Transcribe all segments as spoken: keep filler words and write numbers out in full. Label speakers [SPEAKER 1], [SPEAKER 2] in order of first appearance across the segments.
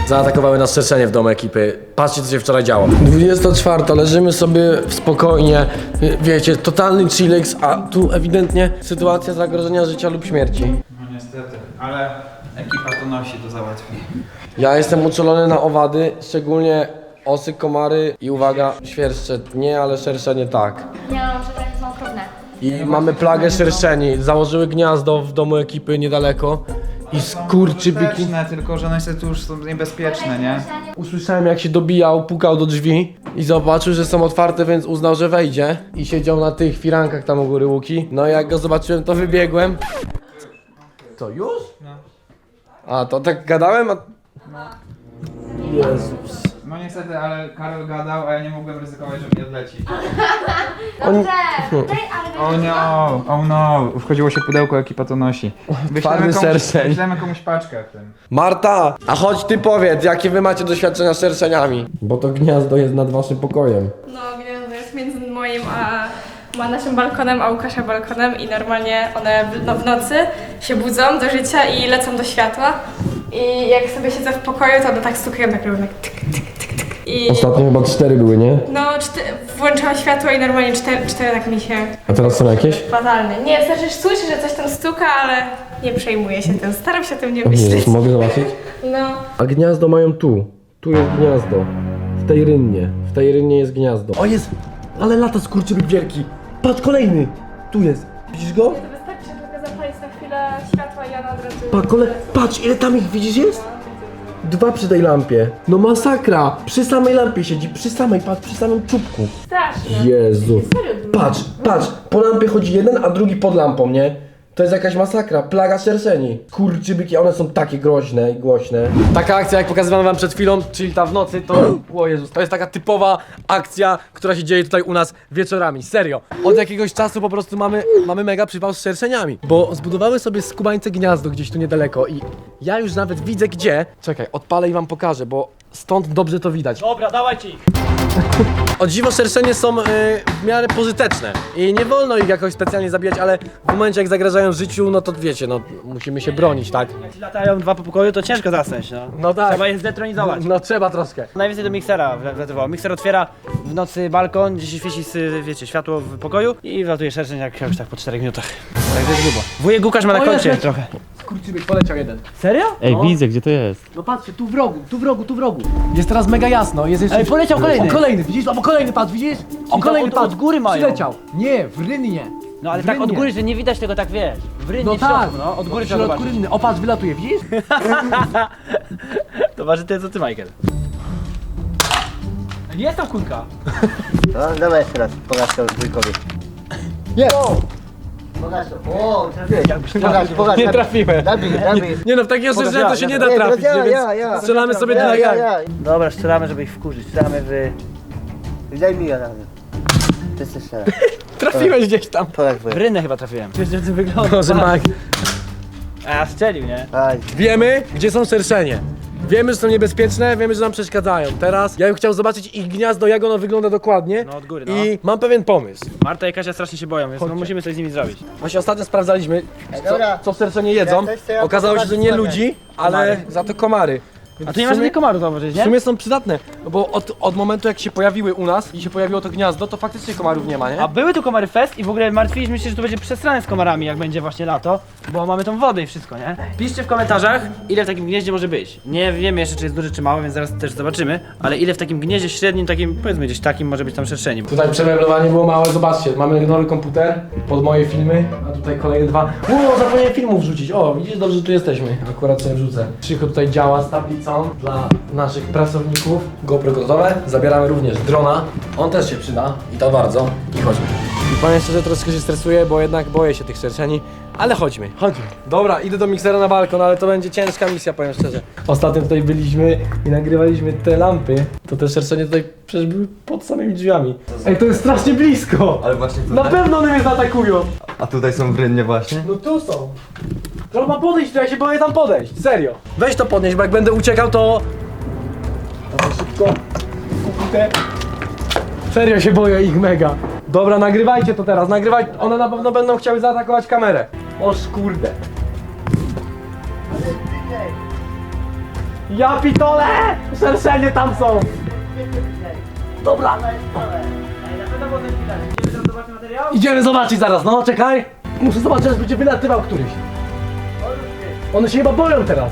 [SPEAKER 1] Zaatakowały nas szerszenie w domu ekipy. Patrzcie, co się wczoraj działo. dwudziesta czwarta, leżymy sobie spokojnie. Wiecie, totalny chillax, a tu ewidentnie sytuacja zagrożenia życia lub śmierci.
[SPEAKER 2] No niestety, ale ekipa to nosi, to załatwi.
[SPEAKER 1] Ja jestem uczulony na owady, szczególnie osy, komary i uwaga, świerszcze nie, ale szerszenie tak.
[SPEAKER 3] Nie mam żadnych są okropne.
[SPEAKER 1] I mamy plagę szerszeni. Założyły gniazdo w domu ekipy niedaleko. I skurczybyki.
[SPEAKER 2] Skuteczne, tylko że niestety już są niebezpieczne, nie?
[SPEAKER 1] Usłyszałem, jak się dobijał, pukał do drzwi i zobaczył, że są otwarte, więc uznał, że wejdzie. I siedział na tych firankach tam u góry Łuki. No i jak go zobaczyłem, to wybiegłem. Co, już?
[SPEAKER 2] No.
[SPEAKER 1] A, to tak gadałem, a... Jezus.
[SPEAKER 2] No niestety, ale Karol gadał, a ja nie mogłem ryzykować, że mi odleci.
[SPEAKER 3] Dobrze, tej, ale
[SPEAKER 2] Oh no, oh no, wchodziło się pudełko, ekipa to nosi.
[SPEAKER 1] Twardy
[SPEAKER 2] komuś,
[SPEAKER 1] serceń.
[SPEAKER 2] wyślemy komuś paczkę w tym.
[SPEAKER 1] Marta, a chodź ty powiedz, jakie wy macie doświadczenia z szerszeniami? Bo to gniazdo jest nad waszym pokojem.
[SPEAKER 4] No, gniazdo jest między moim a, a naszym balkonem, a Łukasza balkonem i normalnie one w, no, w nocy się budzą do życia i lecą do światła. I jak sobie siedzę w pokoju, to one tak stukają, tak robią tak tyk, tyk, tyk, tyk. I
[SPEAKER 1] Ostatnio chyba cztery były, nie?
[SPEAKER 4] no, czty, włączałam światło i normalnie cztery, cztery tak mi się...
[SPEAKER 1] A teraz są jakieś?
[SPEAKER 4] Fatalnie. Nie, znaczy słyszę, że coś tam stuka, ale nie przejmuję się tym. Staram się o tym nie myśleć.
[SPEAKER 1] Jezus, mogę zobaczyć?
[SPEAKER 4] No.
[SPEAKER 1] A gniazdo mają tu. Tu jest gniazdo. W tej rynnie. W tej rynnie jest gniazdo. O jest! Ale lata skurczybyk wielki. Patrz, kolejny! Tu jest. Widzisz go?
[SPEAKER 4] To wystarczy tylko zapalić na chwilę światła i ona od razu...
[SPEAKER 1] Pa, kole... Patrz, ile tam ich widzisz jest? Dwa przy tej lampie. No masakra! Przy samej lampie siedzi, przy samej, patrz, przy samym czubku.
[SPEAKER 4] Strasznie.
[SPEAKER 1] Jezu.
[SPEAKER 4] Serio dużo.
[SPEAKER 1] Patrz, patrz, po lampie chodzi jeden, a drugi pod lampą, nie? To jest jakaś masakra, plaga szerszeni. Kurczybyki, one są takie groźne i głośne. Taka akcja, jak pokazywałem wam przed chwilą, czyli ta w nocy, to... O Jezus, to jest taka typowa akcja, która się dzieje tutaj u nas wieczorami, serio. Od jakiegoś czasu po prostu mamy, mamy mega przypał z szerszeniami. Bo zbudowały sobie skubańce gniazdo gdzieś tu niedaleko i ja już nawet widzę gdzie. Czekaj, odpalę i wam pokażę, bo stąd dobrze to widać.
[SPEAKER 5] Dobra, dawajcie ich.
[SPEAKER 1] O dziwo szerszenie są y, w miarę pożyteczne i nie wolno ich jakoś specjalnie zabijać, ale w momencie jak zagrażają życiu, no to wiecie, no musimy się bronić, tak?
[SPEAKER 5] Jak ci latają dwa po pokoju, to ciężko zasnąć, no.
[SPEAKER 1] No tak.
[SPEAKER 5] Trzeba je zdetronizować.
[SPEAKER 1] No trzeba troszkę.
[SPEAKER 5] Najwięcej do miksera wlatywało. Mikser otwiera w nocy balkon, gdzie się świeci, z, wiecie, światło w pokoju i wlatuje szerszeń jak już tak po czterech minutach. Także jest grubo. Wujek Łukasz ma na
[SPEAKER 1] O,
[SPEAKER 5] koncie
[SPEAKER 1] jest,
[SPEAKER 5] trochę.
[SPEAKER 1] Kurczybyk poleciał jeden.
[SPEAKER 5] Serio?
[SPEAKER 6] Ej,
[SPEAKER 1] No.
[SPEAKER 6] widzę, gdzie to jest.
[SPEAKER 1] No patrzcie, tu w rogu, tu w rogu, tu w rogu. Jest teraz mega jasno, jest jeszcze...
[SPEAKER 5] Ej, poleciał kolejny.
[SPEAKER 1] O, kolejny, widzisz? O, kolejny, patrz, widzisz? O,
[SPEAKER 5] to
[SPEAKER 1] kolejny,
[SPEAKER 5] od-
[SPEAKER 1] patrz.
[SPEAKER 5] od góry mają.
[SPEAKER 1] Przyleciał. Nie, w rynnie.
[SPEAKER 5] No ale
[SPEAKER 1] W
[SPEAKER 5] tak od
[SPEAKER 1] rynnie.
[SPEAKER 5] góry, że nie widać tego tak, wiesz. W rynnie,
[SPEAKER 1] No
[SPEAKER 5] w środku,
[SPEAKER 1] tak,
[SPEAKER 5] no. Od góry
[SPEAKER 1] w
[SPEAKER 5] trzeba
[SPEAKER 1] środku
[SPEAKER 5] zobaczyć.
[SPEAKER 1] rynny. O, patrz, wylatuje, widzisz?
[SPEAKER 5] To waży tyle co ty, Michael. Jest tam kulka.
[SPEAKER 7] No, dawaj jeszcze raz, pokaż to wujkowi.
[SPEAKER 1] Jest!
[SPEAKER 7] Pokaż to. O, trafiłeś. Pokaż, pokaż.
[SPEAKER 1] Nie
[SPEAKER 7] nabij.
[SPEAKER 1] trafiłem.
[SPEAKER 7] Nabij, nabij.
[SPEAKER 1] Nie no, w takiego szerszenia to się nie da
[SPEAKER 7] Nie,
[SPEAKER 1] trafić,
[SPEAKER 7] ja,
[SPEAKER 1] nie,
[SPEAKER 7] ja,
[SPEAKER 1] więc
[SPEAKER 7] ja.
[SPEAKER 1] strzelamy sobie
[SPEAKER 7] Ja,
[SPEAKER 1] na
[SPEAKER 7] ja,
[SPEAKER 1] gang.
[SPEAKER 7] ja.
[SPEAKER 5] Dobra, strzelamy, żeby ich wkurzyć. Strzelamy w...
[SPEAKER 7] Daj mi ja razem. Ty chcesz strzelać.
[SPEAKER 1] Trafiłeś gdzieś tam.
[SPEAKER 7] Pokaż
[SPEAKER 5] W
[SPEAKER 7] wujek.
[SPEAKER 5] rynnę chyba trafiłem. Wiesz, jak to wygląda?
[SPEAKER 1] Może Mike.
[SPEAKER 5] A, strzelił, nie?
[SPEAKER 7] Aj.
[SPEAKER 1] Wiemy, gdzie są szerszenie. Wiemy, że są niebezpieczne, wiemy, że nam przeszkadzają. Teraz ja bym chciał zobaczyć ich gniazdo, jak ono wygląda dokładnie.
[SPEAKER 5] No, od góry, no.
[SPEAKER 1] I mam pewien pomysł.
[SPEAKER 5] Marta i Kasia strasznie się boją, więc no, musimy coś z nimi zrobić.
[SPEAKER 1] Właśnie ostatnio sprawdzaliśmy, co,
[SPEAKER 7] dobra.
[SPEAKER 1] co szerszenie jedzą.
[SPEAKER 7] Ja coś chcę, ja
[SPEAKER 1] Okazało się, że nie
[SPEAKER 7] zobaczyć
[SPEAKER 1] ludzi, ale za to komary.
[SPEAKER 5] A tu nie ma żadnych komarów zauważyć,
[SPEAKER 1] W
[SPEAKER 5] nie?
[SPEAKER 1] sumie są przydatne, bo od, od momentu jak się pojawiły u nas i się pojawiło to gniazdo, to faktycznie komarów nie ma, nie?
[SPEAKER 5] A były tu komary fest i w ogóle martwiliśmy się, że tu będzie przesrane z komarami, jak będzie właśnie lato, bo mamy tą wodę i wszystko, nie? Piszcie w komentarzach, ile w takim gnieździe może być. Nie wiemy jeszcze, czy jest duże, czy małe, więc zaraz też zobaczymy, ale ile w takim gnieździe średnim, takim, powiedzmy gdzieś takim, może być tam szerszeni.
[SPEAKER 1] Tutaj przemeblowanie było małe, zobaczcie, mamy nowy komputer pod moje filmy, a tutaj kolejne dwa. O, zapomniałem filmów wrzucić, o widzisz, dobrze, że tu jesteśmy, akurat sobie wrzucę. Krzycho tutaj działa z tablicą dla naszych pracowników. GoPro gotowe, zabieramy również drona, on też się przyda i to bardzo, i chodźmy. I powiem szczerze, troszkę się stresuję, bo jednak boję się tych szerszeni, ale chodźmy, chodźmy. Dobra, idę do miksera na balkon, ale to będzie ciężka misja, powiem szczerze. Ostatnio tutaj byliśmy i nagrywaliśmy te lampy, to te szerszenie tutaj przecież były pod samymi drzwiami. Ej, to jest strasznie blisko!
[SPEAKER 8] Ale właśnie
[SPEAKER 1] Na
[SPEAKER 8] tutaj?
[SPEAKER 1] pewno one mnie zaatakują!
[SPEAKER 8] A tutaj są w rynnie właśnie?
[SPEAKER 1] No tu są. Trzeba podejść, to ja się boję tam podejść, serio. Weź to podnieść, bo jak będę uciekał, to... Dawaj szybko. Kupite. Serio się boję ich mega. Dobra, nagrywajcie to teraz, nagrywaj. One na pewno będą chciały zaatakować kamerę. O kurde. Ja pitole! Szerszenie tam są! Dobra,
[SPEAKER 5] Ej, na pewno było coś widać. Idziemy tam zobaczyć materiał?
[SPEAKER 1] idziemy zobaczyć zaraz, no czekaj! Muszę zobaczyć, aż będzie wylatywał któryś. One się chyba boją teraz.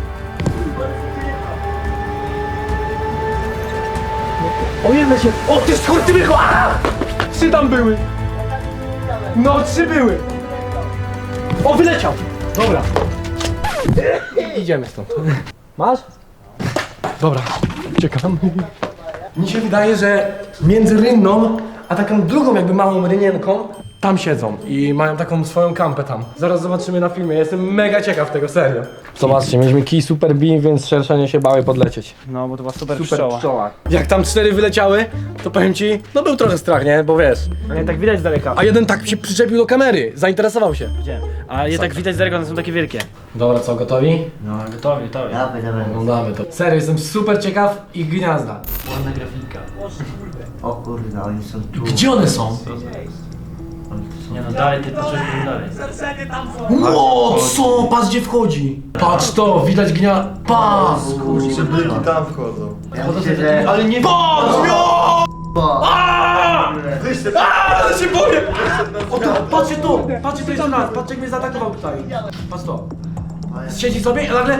[SPEAKER 1] O jedne się... O ty skurczybyku! Trzy tam były! No trzy były! O wyleciał! Dobra. Idziemy stąd. Masz? Dobra, czekam. Mi się wydaje, że między rynną a taką drugą jakby małą rynienką tam siedzą i mają taką swoją kampę tam. Zaraz zobaczymy na filmie, jestem mega ciekaw tego, serio. Zobaczcie, mieliśmy kij super beam, więc szerszenie się bały podlecieć.
[SPEAKER 5] No, bo to była super,
[SPEAKER 1] Super
[SPEAKER 5] pszczoła.
[SPEAKER 1] pszczoła. Jak tam cztery wyleciały, to powiem ci, no był trochę strach, nie? Bo wiesz.
[SPEAKER 5] No nie tak widać z daleka.
[SPEAKER 1] A jeden tak się przyczepił do kamery, zainteresował się.
[SPEAKER 5] Gdzie? A je tak widać z daleka, one są takie wielkie.
[SPEAKER 1] Dobra, co, gotowi?
[SPEAKER 5] No, gotowi, gotowi.
[SPEAKER 7] Dawaj, dawaj.
[SPEAKER 1] Oglądamy to. Serio, jestem super ciekaw ich gniazda.
[SPEAKER 5] Ładna grafika.
[SPEAKER 7] O kurde, oni są tu.
[SPEAKER 1] Gdzie one są?
[SPEAKER 5] Nie no, dalej, ty potrzebujesz dalej.
[SPEAKER 1] Ło, co? Patrz gdzie wchodzi. Patrz to, widać gnia... Patrz!
[SPEAKER 8] Przybyki tam wchodzą.
[SPEAKER 7] Ja myślę, że...
[SPEAKER 1] Ale nie... Patrz! Jo!
[SPEAKER 7] Bo...
[SPEAKER 1] Aaaa! Ale się boję! O to, patrzcie tu! Patrzcie tu jeszcze raz, patrzcie jak mnie zaatakował tutaj. Patrz to. Siedzi sobie i nagle...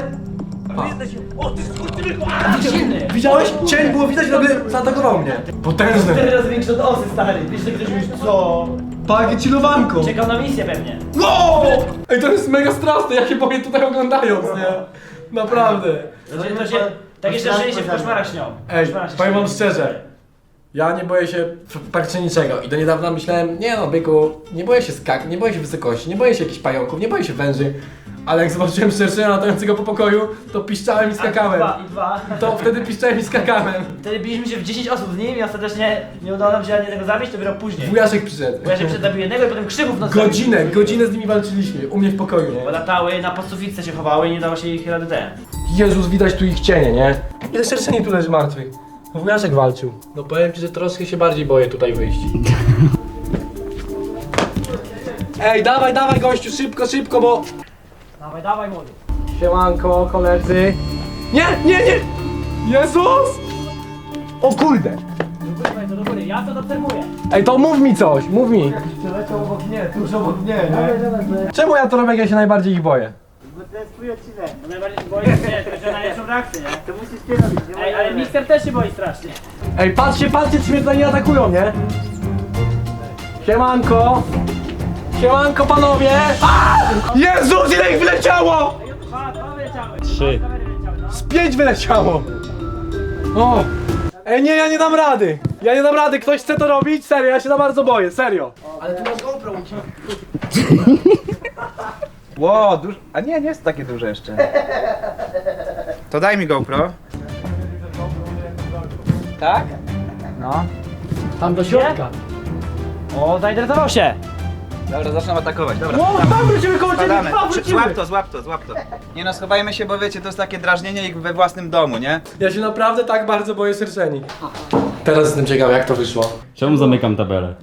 [SPEAKER 5] Silny!
[SPEAKER 1] Widziałeś? Cień było widać i nagle zaatakował mnie. Potężny.
[SPEAKER 5] Cztery razy większy od osy, stary. Wiesz, że ktoś już co?
[SPEAKER 1] Pakie chillowanko.
[SPEAKER 5] Czekał na misję pewnie.
[SPEAKER 1] Wow! Ej, to jest mega straszne, ja się boję tutaj oglądając, nie? Naprawdę.
[SPEAKER 5] To się, to się, takie szczęście się w koszmarach śnią.
[SPEAKER 1] Ej,
[SPEAKER 5] Koszmarach się
[SPEAKER 1] powiem wam
[SPEAKER 5] śnią.
[SPEAKER 1] szczerze. Ja nie boję się f- praktycznie niczego i do niedawna myślałem, nie no byku, nie boję się skak, nie boję się wysokości, nie boję się jakichś pająków, nie boję się węży. Ale jak zobaczyłem szerszenia latającego po pokoju, to piszczałem i
[SPEAKER 5] A,
[SPEAKER 1] skakałem.
[SPEAKER 5] Dwa, i dwa.
[SPEAKER 1] To wtedy piszczałem i skakałem.
[SPEAKER 5] Wtedy biliśmy się w dziesięć osób z nim i ostatecznie nie udało nam się ani jednego zabić, to dopiero później.
[SPEAKER 1] Wujaszek przyszedł.
[SPEAKER 5] Bo ja się przedabił jednego i potem krzyków w nocy.
[SPEAKER 1] Godzinę, godzinę z nimi walczyliśmy, u mnie w pokoju,
[SPEAKER 5] Bo
[SPEAKER 1] nie?
[SPEAKER 5] latały, na podsufice się chowały i nie dało się ich rady ten.
[SPEAKER 1] Jezus, widać tu ich cienie, nie? Ile szerszeni tu leży martwych? Wujaszek walczył. No powiem ci, że troszkę się bardziej boję tutaj wyjść. Ej, dawaj, dawaj gościu, szybko, szybko, bo...
[SPEAKER 5] Dawaj, dawaj młody.
[SPEAKER 1] Siemanko, koledzy. Nie, nie, nie! Jezus! O kurde!
[SPEAKER 5] Do góry, to do góry, ja to obserwuję.
[SPEAKER 1] Ej, to mów mi coś, mów mi.
[SPEAKER 7] Przeleciał obok mnie, tuż obok mnie, nie?
[SPEAKER 1] Czemu ja to robię, jak ja się najbardziej ich boję?
[SPEAKER 7] Bo to jest twój odcinek.
[SPEAKER 5] Bo najbardziej się boję, nie, to że najlepszą reakcję, nie?
[SPEAKER 7] To musisz ty robić, nie
[SPEAKER 5] Ej, ale
[SPEAKER 7] możemy.
[SPEAKER 5] Mixer też się boi strasznie.
[SPEAKER 1] Ej, patrzcie, patrzcie, czy mnie tutaj nie atakują, nie? Siemanko! Siemanko, panowie! A! Jezus, ile ich wyleciało!
[SPEAKER 5] Dwa, dwa wyleciały.
[SPEAKER 1] Trzy.
[SPEAKER 5] Dwa kamery wyleciały, no.
[SPEAKER 1] Z pięć wyleciało! O! Ej, nie, ja nie dam rady! Ja nie dam rady, ktoś chce to robić? Serio, ja się za bardzo boję, serio! Ale tu masz GoPro.
[SPEAKER 2] Ło, duż... A nie, nie jest takie duże jeszcze. To daj mi GoPro. Tak? No.
[SPEAKER 1] Tam do środka.
[SPEAKER 5] O, zainteresował się.
[SPEAKER 2] Dobra, zaczynam atakować, dobra.
[SPEAKER 1] O, tam wrócimy koło ciebie,
[SPEAKER 2] Spadamy.
[SPEAKER 1] dwa
[SPEAKER 2] Przy-
[SPEAKER 1] wrócimy!
[SPEAKER 2] Złap to, złap to, złap to. Nie no, schowajmy się, bo wiecie, to jest takie drażnienie jak we własnym domu, nie?
[SPEAKER 1] Ja się naprawdę tak bardzo boję szerszeni. Teraz jestem ciekaw, jak to wyszło.
[SPEAKER 6] Czemu zamykam tabelę?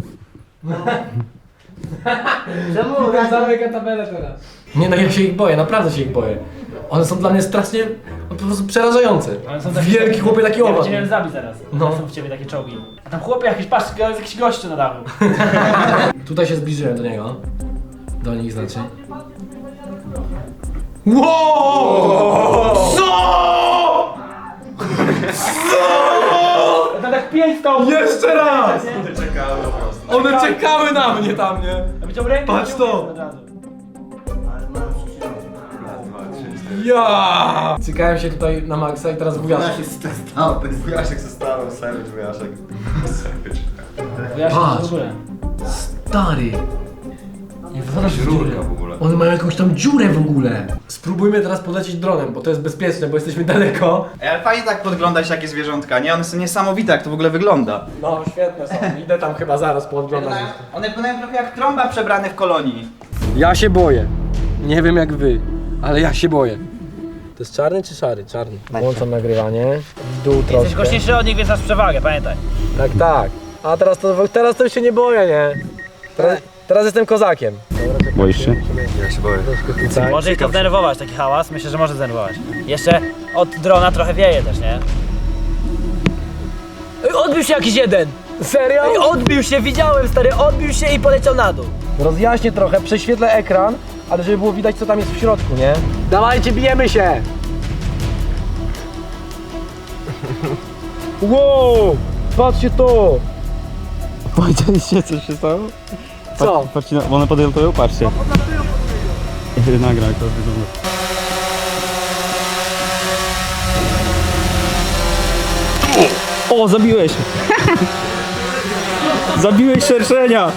[SPEAKER 7] Czemu?
[SPEAKER 1] Zamykam tabelę teraz. Nie no, ja się ich boję, naprawdę się ich boję. One są dla mnie strasznie, no, po prostu przerażające.
[SPEAKER 5] One są takie-
[SPEAKER 1] Wielki chłopie, taki
[SPEAKER 5] Ja
[SPEAKER 1] owad.
[SPEAKER 5] będziemy zabić zaraz.
[SPEAKER 1] No.
[SPEAKER 5] No. Są w ciebie takie czołgi. A tam chłopie jakiś, patrz, jest jakiś gościu na dachu.
[SPEAKER 1] Tutaj się zbliżyłem do niego. Do nich znaczy. Wow! Co?
[SPEAKER 5] To tak pięć stopni.
[SPEAKER 1] Jeszcze raz! One czekały na mnie tam, nie?
[SPEAKER 5] Wyciął rękę.
[SPEAKER 1] Patrz
[SPEAKER 5] wyciął
[SPEAKER 1] to.
[SPEAKER 5] od razu.
[SPEAKER 1] Ja! Cykałem się tutaj na maksa i teraz wujaszek.
[SPEAKER 8] No, ten wujaszek ze starą, savage wujaszek.
[SPEAKER 5] Ja się
[SPEAKER 1] Patrz.
[SPEAKER 5] w ogóle.
[SPEAKER 1] Stary! Nie wygląda się
[SPEAKER 8] Rurka w ogóle.
[SPEAKER 1] One mają jakąś tam dziurę w ogóle. Spróbujmy teraz podlecieć dronem, bo to jest bezpieczne, bo jesteśmy daleko.
[SPEAKER 2] Ej, ale fajnie tak podglądać takie zwierzątka, nie? One są niesamowite, jak to w ogóle wygląda.
[SPEAKER 1] No, świetne są. Idę tam chyba zaraz podglądać.
[SPEAKER 2] One wyglądają trochę jak trąba przebrany w kolonii.
[SPEAKER 1] Ja się boję. Nie wiem jak wy, ale ja się boję. To jest czarny czy szary? Czarny. Włączam nagrywanie. W dół
[SPEAKER 5] Jesteś
[SPEAKER 1] troszkę.
[SPEAKER 5] głośniejszy od nich, więc masz przewagę, pamiętaj.
[SPEAKER 1] Tak, tak. A teraz to, teraz to już się nie boję, nie? Teraz, teraz jestem kozakiem.
[SPEAKER 6] Boisz się?
[SPEAKER 8] Ja się boję.
[SPEAKER 1] Tak.
[SPEAKER 5] Może ich to zdenerwować, taki hałas. Myślę, że może zdenerwować. Jeszcze od drona trochę wieje też, nie? Ej, odbił się jakiś jeden!
[SPEAKER 1] Serio?
[SPEAKER 5] Ej, odbił się, widziałem stary, odbił się i poleciał na dół.
[SPEAKER 1] Rozjaśnię trochę, prześwietlę ekran, ale żeby było widać co tam jest w środku, nie? Dawajcie, bijemy się! Wow! Patrzcie to!
[SPEAKER 6] Powiedzieliście, co się stało?
[SPEAKER 1] Co?
[SPEAKER 6] Patrzcie, na- one podlatują, patrzcie. Nagra, jak to wygląda. O, zabiłeś! Zabiłeś szerszenia!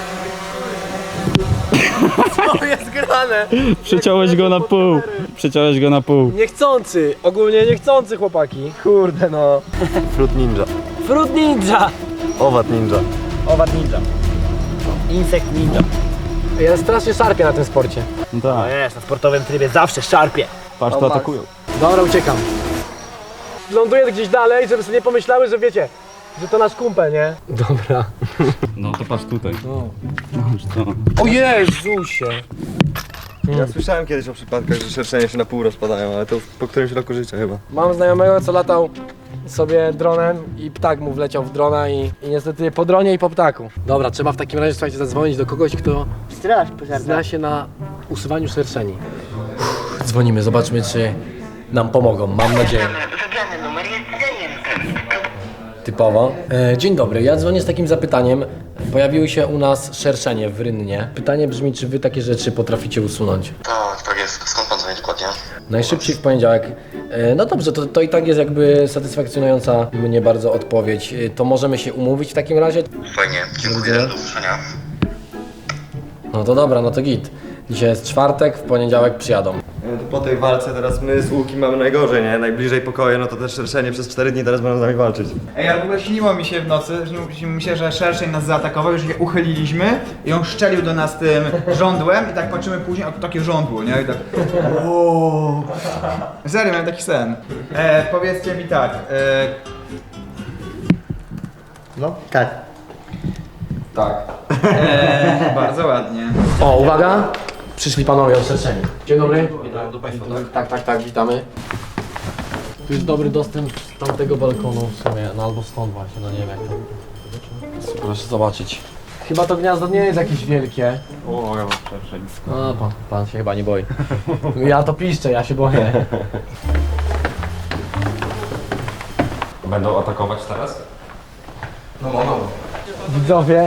[SPEAKER 1] To jest grane!
[SPEAKER 6] Przeciąłeś go na pół. Przeciąłeś go na pół.
[SPEAKER 1] Niechcący, ogólnie niechcący chłopaki. Kurde no.
[SPEAKER 8] Fruit Ninja.
[SPEAKER 5] Fruit ninja!
[SPEAKER 8] Owad Ninja.
[SPEAKER 5] Owad ninja. Insekt ninja.
[SPEAKER 1] Ja strasznie szarpię na tym sporcie.
[SPEAKER 6] No
[SPEAKER 5] No
[SPEAKER 6] tak,
[SPEAKER 5] jest, na sportowym trybie zawsze szarpie.
[SPEAKER 6] patrz, to atakują.
[SPEAKER 1] Dobra, uciekam. Ląduję gdzieś dalej, żeby sobie nie pomyślały, że wiecie, że to nasz kumpel, nie? Dobra.
[SPEAKER 6] No to patrz tutaj.
[SPEAKER 1] No.
[SPEAKER 6] Patrz to.
[SPEAKER 1] O Jezusie!
[SPEAKER 8] Ja słyszałem kiedyś o przypadkach, że szerszenie się na pół rozpadają, ale to po którymś roku życia chyba.
[SPEAKER 1] Mam znajomego, co latał sobie dronem i ptak mu wleciał w drona i, i niestety po dronie i po ptaku. Dobra, trzeba w takim razie, słuchajcie, zadzwonić do kogoś, kto
[SPEAKER 7] Straż pożarna.
[SPEAKER 1] zna się na usuwaniu szerszeni. Uff, dzwonimy, zobaczmy, czy nam pomogą, mam nadzieję.
[SPEAKER 9] Wybrany numer jest zajęty.
[SPEAKER 1] Typowo. E, dzień dobry, ja dzwonię z takim zapytaniem. Pojawiły się u nas szerszenie w Rynnie. Pytanie brzmi, czy wy takie rzeczy potraficie usunąć?
[SPEAKER 9] Tak, tak jest. Skąd pan dzwoni dokładnie?
[SPEAKER 1] Najszybciej w poniedziałek. E, no dobrze, to, to i tak jest jakby satysfakcjonująca mnie bardzo odpowiedź. E, to możemy się umówić w takim razie?
[SPEAKER 9] Fajnie, dziękuję. Do usłyszenia.
[SPEAKER 1] No to dobra, no to git. Dzisiaj jest czwartek, w poniedziałek przyjadą.
[SPEAKER 8] To po tej walce teraz my z Łukiem mamy najgorzej, nie? Najbliżej pokoju, no to też szerszenie przez cztery dni teraz będą z nami walczyć.
[SPEAKER 2] Ej, ale w ogóle śniło mi się w nocy, śniło mi się, że szerszeń nas zaatakował, już się uchyliliśmy i on szczelił do nas tym żądłem i tak patrzymy później, a to takie żądło, nie? I tak ooo. Serio, miałem taki sen. E, powiedzcie mi tak, e,
[SPEAKER 7] No, tak.
[SPEAKER 1] Tak.
[SPEAKER 2] e, bardzo ładnie.
[SPEAKER 1] O, uwaga! Przyszli panowie od szerszeni. Dzień dobry. Tak, tak, tak, witamy. Tu jest dobry dostęp z tamtego balkonu w sumie, no albo stąd właśnie, no nie wiem jak to. Proszę zobaczyć. Chyba to gniazdo nie jest jakieś wielkie.
[SPEAKER 6] O, ja mam szerszeń.
[SPEAKER 1] No, pan, pan się chyba nie boi. Ja to piszczę, ja się boję.
[SPEAKER 6] Będą atakować teraz?
[SPEAKER 1] Widzowie.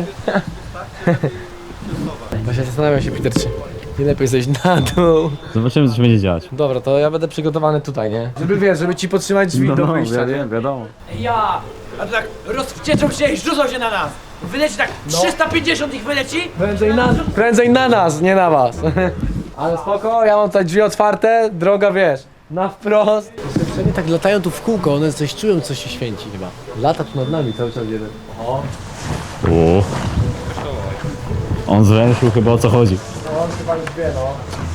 [SPEAKER 1] Właśnie zastanawiam się, Peter, czy nie lepiej zejść na dół.
[SPEAKER 6] Zobaczymy, co się będzie dziać.
[SPEAKER 1] Dobra, to ja będę przygotowany tutaj, nie? Żeby wiesz, żeby ci podtrzymać drzwi do wyjścia, nie?
[SPEAKER 6] wiadomo.
[SPEAKER 5] Ja! A to tak rozwścieczą się i rzucą się na nas. Wyleci tak, trzysta pięćdziesiąt ich wyleci.
[SPEAKER 1] Prędzej na, prędzej na nas, nie na was. Ale spoko, ja mam tutaj drzwi otwarte, droga wiesz, na wprost. Wszędzie tak latają tu w kółko, one coś czują, coś się święci chyba. Lata tu nad nami cały czas jeden. O,
[SPEAKER 6] O. On zwęszył chyba, o co chodzi.
[SPEAKER 1] on chyba już wie, no.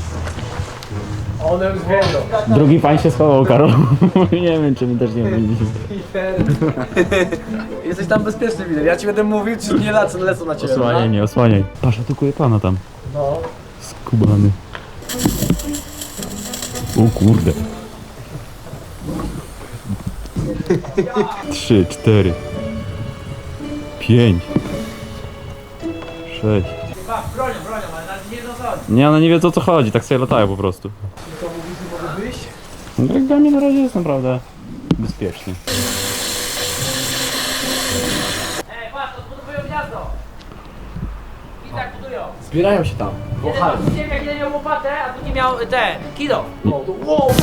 [SPEAKER 1] One już wiedzą.
[SPEAKER 6] Drugi pan się schował, Karol. Nie wiem, czy my też nie będziemy.
[SPEAKER 1] Jesteś tam bezpieczny, widać. Ja ci będę mówił, czy nie lecą, lecą na ciebie.
[SPEAKER 6] Osłaniaj mnie, osłaniaj. Patrz, atakuje pana tam.
[SPEAKER 1] No.
[SPEAKER 6] Skubany. O kurde. Trzy, cztery. Pięć. Sześć.
[SPEAKER 5] Bronią, bronią, ale nawet nie wiedzą co chodzi.
[SPEAKER 6] Nie, one nie wiedzą o co chodzi, tak sobie latają po prostu. No, jak dla mnie na razie jest naprawdę bezpiecznie.
[SPEAKER 5] Ej, patrz, odbudowują gniazdo. I tak budują.
[SPEAKER 1] Zbierają się tam.
[SPEAKER 5] Jeden widziałem jak jeden miał łopatę, a drugi miał te, kilo.
[SPEAKER 1] Wow,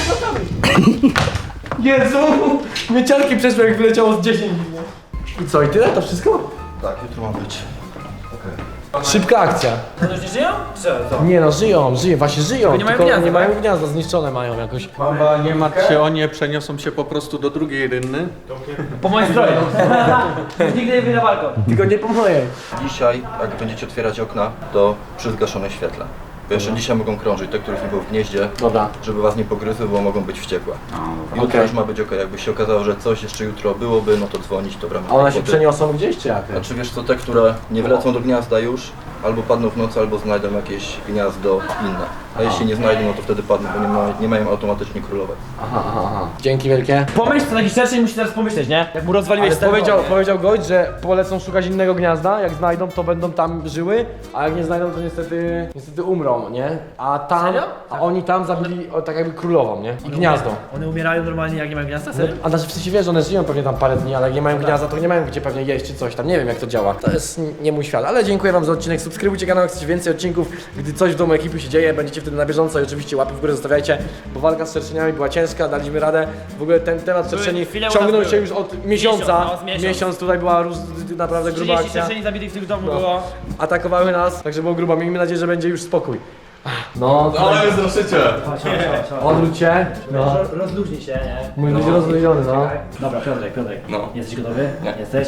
[SPEAKER 1] Jezu! Mieciarki przeszły jak wyleciało z dziesięć. I co, i tyle? To wszystko?
[SPEAKER 8] Tak, jutro ma być.
[SPEAKER 1] Szybka akcja.
[SPEAKER 5] One już nie żyją? Co, co?
[SPEAKER 1] Nie no, żyją, żyją, właśnie żyją,
[SPEAKER 5] nie mają
[SPEAKER 1] tylko
[SPEAKER 5] gniazda,
[SPEAKER 1] nie
[SPEAKER 5] tak?
[SPEAKER 1] mają gniazda, zniszczone mają jakoś.
[SPEAKER 10] Mamba, nie martw się o nie, przeniosą się po prostu do drugiej rynny.
[SPEAKER 5] Po moim stroju. Nigdy nie wyjdę na balkon.
[SPEAKER 1] Tylko nie po mojej.
[SPEAKER 11] Dzisiaj, jak będziecie otwierać okna, to przy zgaszonym świetle. Bo jeszcze dzisiaj mogą krążyć te, których nie było w gnieździe,
[SPEAKER 1] Dobra.
[SPEAKER 11] żeby was nie pogryzły, bo mogą być wściekłe. Jutro
[SPEAKER 1] Okej.
[SPEAKER 11] już ma być ok. Jakby się okazało, że coś jeszcze jutro byłoby, no to dzwonić, to w ramach
[SPEAKER 1] A one się
[SPEAKER 11] kłopoty.
[SPEAKER 1] przeniosą gdzieś czy jak?
[SPEAKER 11] Znaczy wiesz co, te, które nie wlecą do gniazda już, albo padną w nocy, albo znajdą jakieś gniazdo inne. A jeśli nie znajdą, no to wtedy padną, bo nie, ma, nie mają automatycznie królować.
[SPEAKER 1] Aha, aha, aha. Dzięki wielkie.
[SPEAKER 5] Pomyśl, co taki szerszy musi teraz pomyśleć, nie? Jak mu rozwaliłeś
[SPEAKER 1] Ale
[SPEAKER 5] stereo,
[SPEAKER 1] powiedział,
[SPEAKER 5] nie?
[SPEAKER 1] powiedział gość, że polecą szukać innego gniazda, jak znajdą, to będą tam żyły, a jak nie znajdą, to niestety, niestety umrą, nie? A tam,
[SPEAKER 5] Serio?
[SPEAKER 1] a oni tam zabili o, tak jakby królową, nie? I gniazdo.
[SPEAKER 5] One umierają normalnie, jak nie mają gniazda?
[SPEAKER 1] No,
[SPEAKER 5] Serio?
[SPEAKER 1] a znaczy w sensie wiesz, one żyją pewnie tam parę dni, ale jak nie mają gniazda, to nie mają gdzie pewnie jeść czy coś tam, nie wiem jak to działa. To jest nie mój świat, ale dziękuję wam za odcinek, subskrybujcie kanał, jak chcecie więcej odcinków, gdy coś w domu ekipy się dzieje, będziecie wtedy na bieżąco i oczywiście łapy w górę zostawiajcie, bo walka z szerszeniami była ciężka, daliśmy radę, w ogóle ten temat szerszeni
[SPEAKER 5] chwilę u
[SPEAKER 1] ciągnął
[SPEAKER 5] nas
[SPEAKER 1] się
[SPEAKER 5] były.
[SPEAKER 1] już od miesiąca,
[SPEAKER 5] Miesiąc, no, z miesiąc.
[SPEAKER 1] miesiąc tutaj była róż, naprawdę gruba
[SPEAKER 5] trzydzieści
[SPEAKER 1] akcja,
[SPEAKER 5] szerszeni zabitych w tym domu
[SPEAKER 1] No.
[SPEAKER 5] było.
[SPEAKER 1] atakowały nas, także było grubo, miejmy nadzieję, że będzie już spokój. No,
[SPEAKER 8] Ale jest zruszycie!
[SPEAKER 5] Chodź, chodź, chodź, chodź.
[SPEAKER 1] odwróć się, no.
[SPEAKER 5] Roz- Rozluźnij się, nie?
[SPEAKER 1] Mój być rozluźniony, no.
[SPEAKER 5] Dobra, Piotrek, Piotrek.
[SPEAKER 11] No.
[SPEAKER 5] Jesteś gotowy? Nie. Jesteś?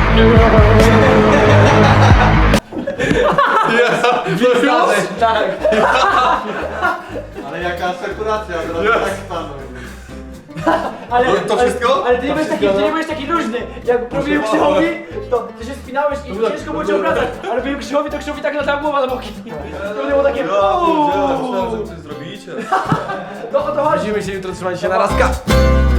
[SPEAKER 1] Tak.
[SPEAKER 8] Ale jaka asekuracja, teraz tak stanął.
[SPEAKER 5] Ale,
[SPEAKER 8] To wszystko?
[SPEAKER 5] Ale, ale ty nie byłeś taki, ty nie byłeś taki luźny. Jak robiłem Krzychowi, to ty się spinałeś i ciężko było cię obracać. Ale robiłem Krzychowi, to Krzychowi tak latała głowa na boki. To było takie
[SPEAKER 8] Myślałem, że coś zrobicie.
[SPEAKER 5] No o to chodzi.
[SPEAKER 1] Widzimy się jutro, trzymajcie się na razka.